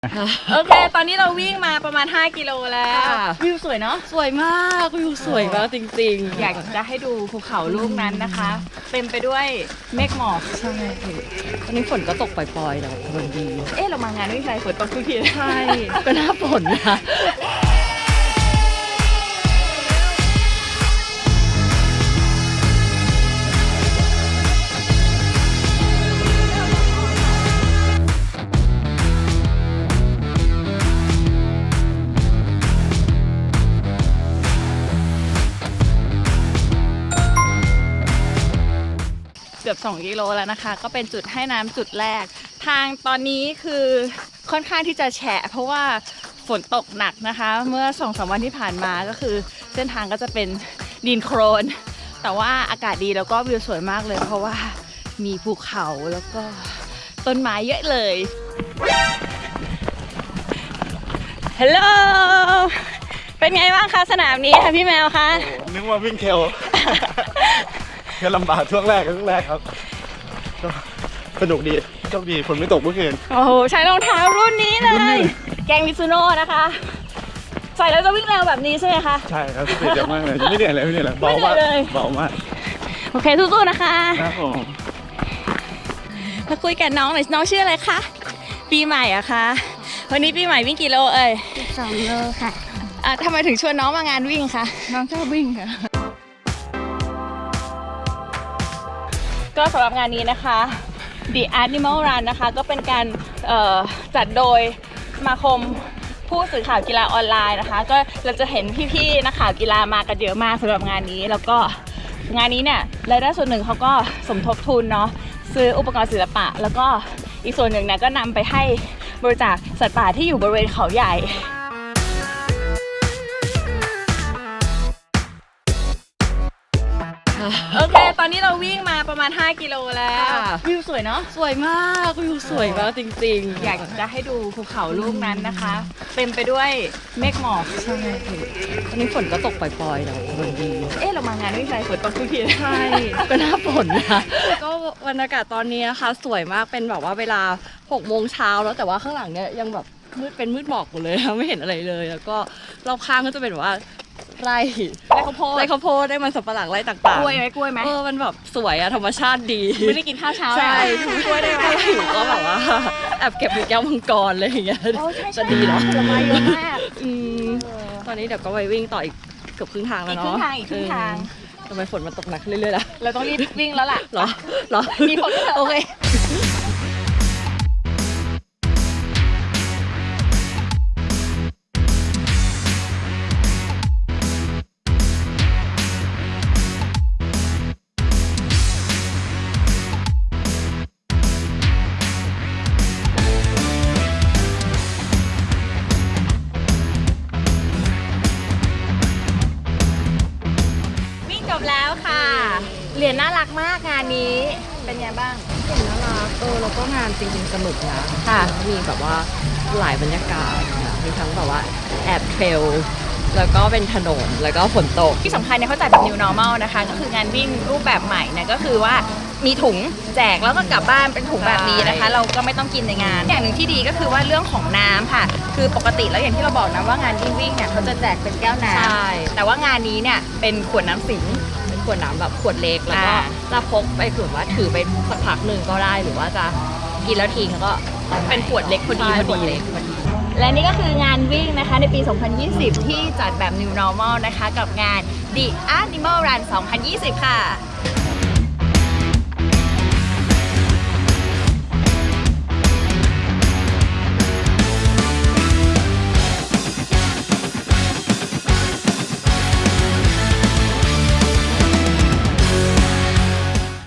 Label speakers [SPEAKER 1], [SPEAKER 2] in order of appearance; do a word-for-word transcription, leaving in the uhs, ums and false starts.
[SPEAKER 1] โอเคตอนนี้เราวิ่งมาประมาณห้ากิโลแล้ววิวสวยเนาะ
[SPEAKER 2] สวยมากวิวสวยมากจริงๆ
[SPEAKER 1] อยากจะให้ดูภูเขาลูกนั้นนะคะเต็มไปด้วยเมฆหมอก
[SPEAKER 2] ใช่ตอนนี้ฝนก็ตกปล่อยๆแต่มันดี
[SPEAKER 1] เอ๊ะเรามางานวิ่งไกลฝนตกทุกที
[SPEAKER 2] ใช่ก็น่าฝนนะ
[SPEAKER 1] เกือบสองกิโลแล้วนะคะก็เป็นจุดให้น้ำจุดแรกทางตอนนี้คือค่อนข้างที่จะแฉะเพราะว่าฝนตกหนักนะคะเมื่อ สองสาม วันที่ผ่านมาก็คือเส้นทางก็จะเป็นดินโคลนแต่ว่าอากาศดีแล้วก็วิวสวยมากเลยเพราะว่ามีภูเขาแล้วก็ต้นไม้เยอะเลยฮัลโหลเป็นไงบ้างคะสนามนี้ค่ะพี่แมวคะ
[SPEAKER 3] นึกว่าวิ่งเทรลแค่ลำบากช่วงแรกช่วงแรกครับก็สนุกดีโชคดีฝนไม่ตกเมื่อคืน
[SPEAKER 1] โอ้โหใช้รองเท้ารุ่นนี้เลยแกงมิซูโน่นะคะใส่แล้วจะวิ่งเร็วแบบนี้ใช่ไหมคะ
[SPEAKER 3] ใช่ครับเจ๋งมากเลยไม่เหนื่อยเลยไม่เหนื่อยเลยเบามากเบามาก
[SPEAKER 1] โอเคสู้ๆนะคะ
[SPEAKER 3] ครับผม
[SPEAKER 1] มาคุยกับน้องหน่อยน้องชื่ออะไรคะปีใหม่อะคะวันนี้ปีใหม่วิ่งกี่โลเอ่ย
[SPEAKER 2] สิบสองโลค่ะ
[SPEAKER 1] อ่ะทำไมถึงชวนน้องมางานวิ่งคะ
[SPEAKER 2] น้องชอบวิ่งค่ะ
[SPEAKER 1] ก็สำหรับงานนี้นะคะ The Animal Run นะคะก็เป็นการจัดโดยสมาคมผู้สื่อข่าวกีฬาออนไลน์นะคะก็เราจะเห็นพี่ๆนักข่าวกีฬามากันเยอะมากสำหรับงานนี้แล้วก็งานนี้เนี่ยรายได้ส่วนหนึ่งเขาก็สมทบทุนเนาะซื้ออุปกรณ์ศิลปะแล้วก็อีกส่วนหนึ่งเนี่ยก็นำไปให้บริจาคสัตว์ป่าที่อยู่บริเวณเขาใหญ่โอเคตอนนี้เราวิ่งมาประมาณห้ากิโลแล้ววิวสวยเนาะ
[SPEAKER 2] สวยมากวิวสวยมากจริงๆ
[SPEAKER 1] อยากจะให้ดูภูเขาลูกนั้นนะคะเต็มไปด้วยเมฆหมอก
[SPEAKER 2] ใช่ตอนนี้ฝนก็ตกปล่อยๆแต่มันดี
[SPEAKER 1] เอ๊ะเรามางานวิ่งไกลฝนตกทุกที
[SPEAKER 2] ใช่ก็น่าฝนนะก็บรรยากาศตอนนี้นะคะสวยมากเป็นแบบว่าเวลาหกโมงเช้าแล้วแต่ว่าข้างหลังเนี่ยยังแบบมืดเป็นมืดหมอกหมดเลยไม่เห็นอะไรเลยแล้วก็รอบข้างก็จะเป็นแบบว่าไร่
[SPEAKER 1] ไร่ข้าวโพด
[SPEAKER 2] ไร่ข้าวโพดได้มันสับปะหลังไร่ต่างๆ
[SPEAKER 1] กล้วยไหมกล้วยไหม
[SPEAKER 2] เออมันแบบสวยอะธรรมชาติดี
[SPEAKER 1] ไม่ได้กินข้าวเช้า
[SPEAKER 2] ใช่กล้วยได้ไหมหิวก็แบบว่าแอบเก็บแก้วมังกรเลยอย่างเงี้ยจะดีเนาะ
[SPEAKER 1] ผลไม้เยอะมาก
[SPEAKER 2] ตอนนี้เดี๋ยวก็ไปวิ่งต่ออีกเกือบครึ่งทางแล้วเนาะ
[SPEAKER 1] อีกครึ่งทางอีกครึ่งทาง
[SPEAKER 2] ทำไมฝนมันตกหนักเรื่อยๆล่ะ
[SPEAKER 1] เราต้องรีบวิ่งแล้วล่ะ
[SPEAKER 2] เหรอเหรอ
[SPEAKER 1] มีฝนโอเคจบแล้วค่ะเหรียญน่ารักมากงานนี้เป็นไงบ้าง
[SPEAKER 2] เหรียญน่ารักเออแล้วก็งานจริงๆสนุกนะ
[SPEAKER 1] ค่ะ
[SPEAKER 2] มีแบบว่าหลายบรรยากาศมีทั้งแบบว่าแอบเทรลแล้วก็เป็นถนนแล้วก็ฝนตก
[SPEAKER 1] ที่สำคัญเนี่ยเขาจัดแบบ New Normal นะคะก็คืองานวิ่งรูปแบบใหม่เนี่ยก็คือว่ามีถุงแจกแล้วก็กลับบ้านเป็นถุงแบบนี้นะคะเราก็ไม่ต้องกินในงานอย่างหนึ่งที่ดีก็คือว่าเรื่องของน้ำค่ะคือปกติแล้วอย่างที่เราบอกนะว่างานวิ่งวิ่งเนี่ยเขาจะแจกเป็นแก้วน้ำแต่ว่างานนี้เนี่ยเป็นขวดน้ำสิง
[SPEAKER 2] เป็นขวดน้ำแบบขวดเล็กแล้วก็จะพกไปถือว่าถือไปสักพักหนึ่งก็ได้หรือว่าจะกินแล้วทิ้งก็
[SPEAKER 1] เป็นขวดเล็กพอดีพอดีและนี่ก็คืองานวิ่งนะคะในปี สองพันยี่สิบ ที่จัดแบบ New Normal นะคะกับงาน The Animal Run สองพันยี่สิบ ค่ะ